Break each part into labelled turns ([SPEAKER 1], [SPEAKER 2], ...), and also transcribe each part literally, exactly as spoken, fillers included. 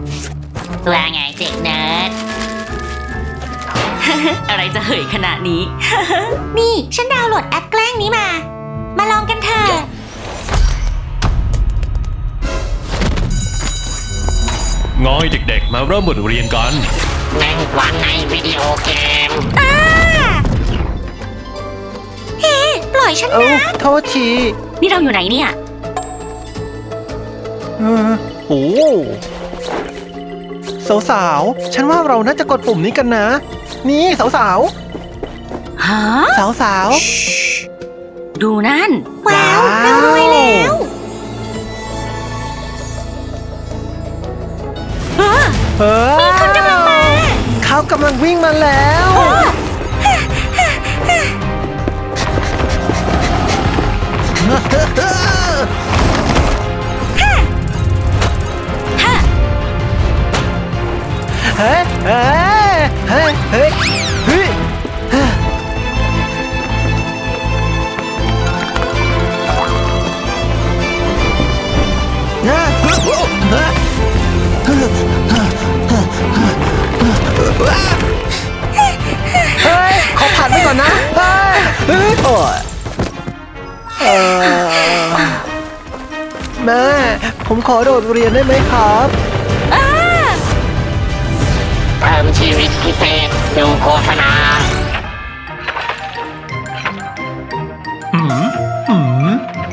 [SPEAKER 1] ว่าไงเด็กเนิร์ด อะไรจะเหยขนาดนี้ นี่ฉันดาวน์โหลดแอปแกล้งนี้มา มาลองกันเถอะ
[SPEAKER 2] งอยเด็กๆมาเริ่มบทเรียนกัน
[SPEAKER 3] หนึ่งวันในวิดีโอเกม
[SPEAKER 1] อ้าเฮ้ปล่อยฉัน
[SPEAKER 4] เอ้า
[SPEAKER 1] นะ
[SPEAKER 4] โทษที
[SPEAKER 1] นี่เราอยู่ไหนเนี่ย
[SPEAKER 4] เออโอ้สาวๆ ฉันว่าเราน่าจะกดปุ่มนี้กันนะ นี่สาว
[SPEAKER 1] ฮะ
[SPEAKER 4] ๆ สาว
[SPEAKER 1] ดูนั่น ว้าว
[SPEAKER 4] ว้าว
[SPEAKER 1] เรารวยแล้วเออ
[SPEAKER 4] ๆเออ
[SPEAKER 1] มีคนกำลังมา
[SPEAKER 4] เขากำลังวิ่งมาแล้ว
[SPEAKER 1] ฮะ
[SPEAKER 4] เฮ้ยเฮ้ยเฮ้ยเฮ้ยเฮ้ยเฮ้ย ขอผ่านไปก่อนนะเฮ้ยเฮ้ยโอ้ยเอ่อแม่ ผมขอโดดเรียนได้ไหมครับ
[SPEAKER 1] อ้า
[SPEAKER 3] เพิ่มชีวิตพิเศษดูโฆษณา
[SPEAKER 2] อืม อืม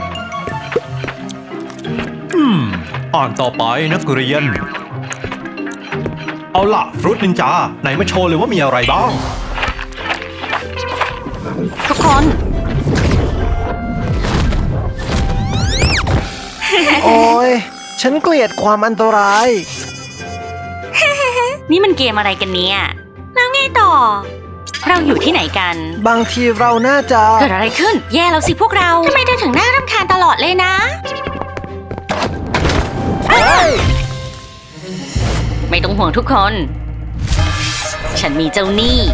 [SPEAKER 2] อืม อ่านต่อไปนักเรียน เอาล่ะ ฟรุตนินจา ไหนมาโชว์เลยว่ามีอะไรบ้าง
[SPEAKER 1] ทุกคน
[SPEAKER 4] โอ้ย ฉันเกลียดความอันตราย
[SPEAKER 1] นี่มันเกมอะไรกันเนี่ย แล้วไงต่อ เราอยู่ที่ไหนกัน
[SPEAKER 4] บางทีเราน่าจะ
[SPEAKER 1] เกิดอะไรขึ้น แย่แล้วสิพวกเรา ทำไมเธอถึงน่ารำคาญตลอดเลยนะ
[SPEAKER 4] เฮ้ย
[SPEAKER 1] ไม่ต้องห่วงทุกคน ฉันมีเจ้าหนี้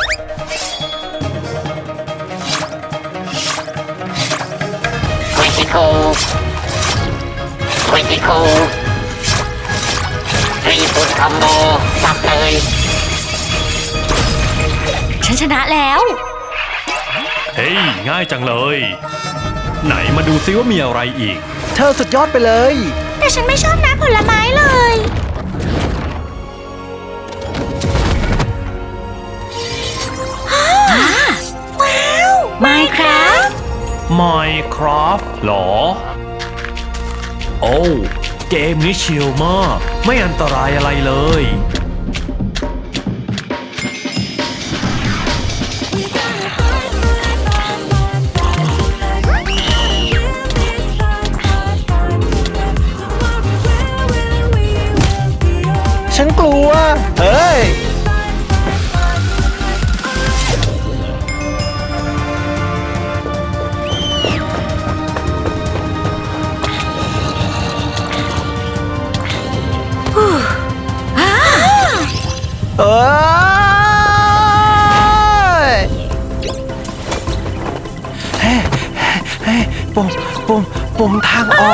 [SPEAKER 3] ควิติโคควิติโครีบุตคอมโบสับเลย
[SPEAKER 1] ฉันชนะแล้ว
[SPEAKER 2] เฮ้ย ง่ายจังเลย ไหนมาดูซิว่ามีอะไรอีก
[SPEAKER 4] เธอสุดยอดไปเลย
[SPEAKER 1] แต่ฉันไม่ชอบน้ำผลไม้เลยว้าวไม่ครับ
[SPEAKER 2] Minecraft หรอ โอ้เกมนี้ชิลมาก ไม่อันตรายอะไรเลย
[SPEAKER 4] ฉันกลัว เฮ้ย เอ้ยเฮ้ยเฮ้ยปุ่มปุ่มปุ่มทางออก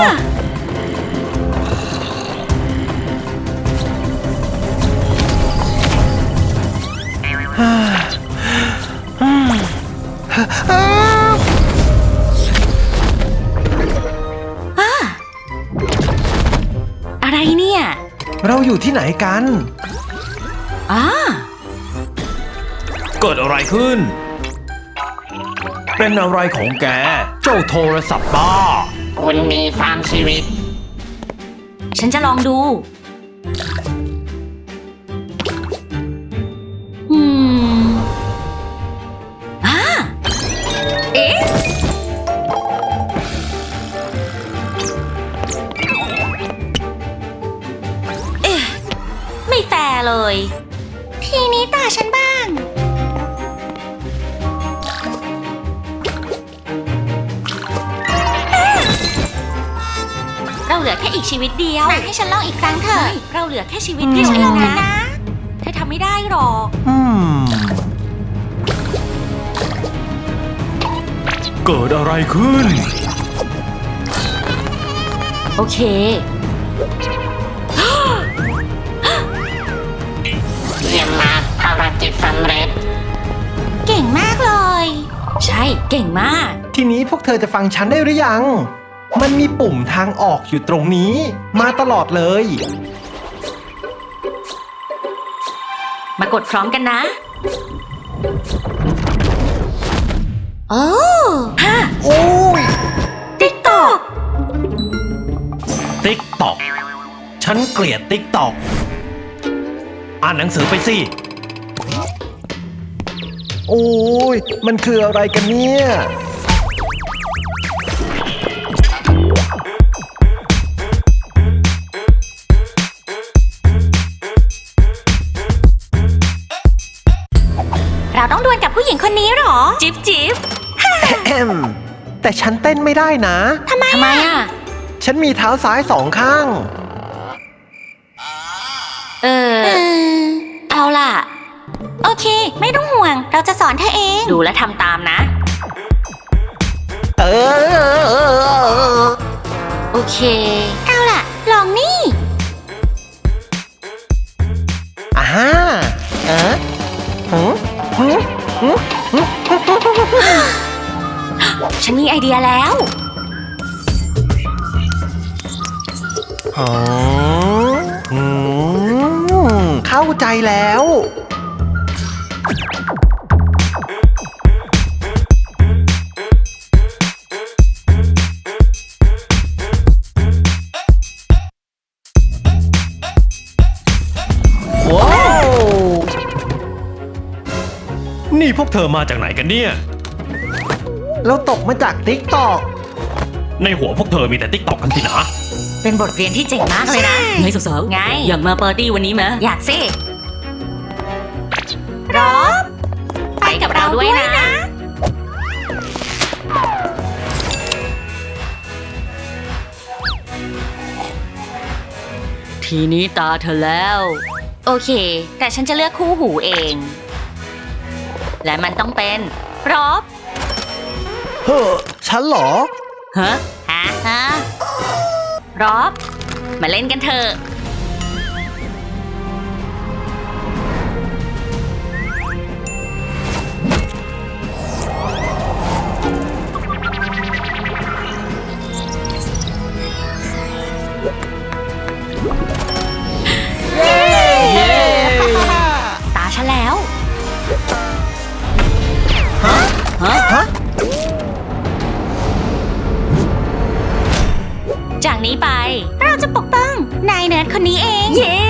[SPEAKER 1] อะไรเนี่ย
[SPEAKER 4] เราอยู่ที่ไหนกัน
[SPEAKER 1] อ่า
[SPEAKER 2] เกิดอะไรขึ้น เป็นอะไรของแก เจ้าโทรศัพท์บ้า
[SPEAKER 3] คุณมีสามชีวิต
[SPEAKER 1] ฉันจะลองดู อืมอ่าเอ๊ะ เอ๊ะ ไม่แฟร์เลย ทีนี้ตาฉันบ้าง เราเหลือแค่อีกชีวิตเดียวให้ฉันลองอีกครั้งเถอะเราเหลือแค่ชีวิตเดียวเองนะเธอทำไม่ได้หรอก
[SPEAKER 4] อืม
[SPEAKER 2] เกิดอะไรขึ้น
[SPEAKER 1] โอเค
[SPEAKER 3] ำเร็จ
[SPEAKER 1] เก่งมากเลย ใช่เก่งมาก
[SPEAKER 4] ทีนี้พวกเธอจะฟังฉันได้หรือยัง มันมีปุ่มทางออกอยู่ตรงนี้ มาตลอดเลย
[SPEAKER 1] มากดพร้อมกันนะ โอ้ฮะ
[SPEAKER 4] โอ้ย
[SPEAKER 1] ติ๊กตอก
[SPEAKER 2] ติ๊กตอกฉันเกลียดติ๊กตอกอ่านหนังสือไปสิ
[SPEAKER 4] โอ้ย มันคืออะไรกันเนี่ย
[SPEAKER 1] เราต้องดวลกับผู้หญิงคนนี้เหรอ จิ๊บจิ๊บ
[SPEAKER 4] แอม แต่ฉันเต้นไม่ได้นะ
[SPEAKER 1] ทำไมทำไมอ่ะ
[SPEAKER 4] ฉันมีเท้าซ้ายสองข้าง
[SPEAKER 1] เออ เอาล่ะ โอเค ไม่ต้องห่วง เราจะสอนเธอเอง ดูและทำตามนะ
[SPEAKER 4] เออ
[SPEAKER 1] โอเค เอาล่ะ ลองนี่
[SPEAKER 4] อ่าเออหืมหืมหืมหืม
[SPEAKER 1] ฉันมีไอเดียแล้ว
[SPEAKER 4] อ๋อหืมเข้าใจแล้ว ว้าว
[SPEAKER 2] นี่พวกเธอมาจากไหนกันเนี่ย
[SPEAKER 4] เราตกมาจากติ๊กตอก
[SPEAKER 2] ในหัวพวกเธอมีแต่ติ๊กตอกกันสินะ
[SPEAKER 1] เป็นบทเรียนที่เจ๋งมากเลยนะ
[SPEAKER 5] ไงสาวๆ
[SPEAKER 1] ไง
[SPEAKER 5] อยากมาปาร์ตี้วันนี้ไหม
[SPEAKER 1] อยากสิรอบ ไปกับเราด้วยนะ
[SPEAKER 5] ทีนี้ตาเธอแล้ว
[SPEAKER 1] โอเค แต่ฉันจะเลือกคู่หูเอง และมันต้องเป็นรอบ
[SPEAKER 4] เฮ้อฉันเหรอ
[SPEAKER 5] ฮะ
[SPEAKER 1] ฮะฮะรอบ มาเล่นกันเถอะ ตาฉันแล้ว
[SPEAKER 4] ฮะ
[SPEAKER 5] ฮะ
[SPEAKER 4] ฮะ
[SPEAKER 1] จากนี้ไป เราจะปกป้องนายเนิร์ดคนนี้เอง เย้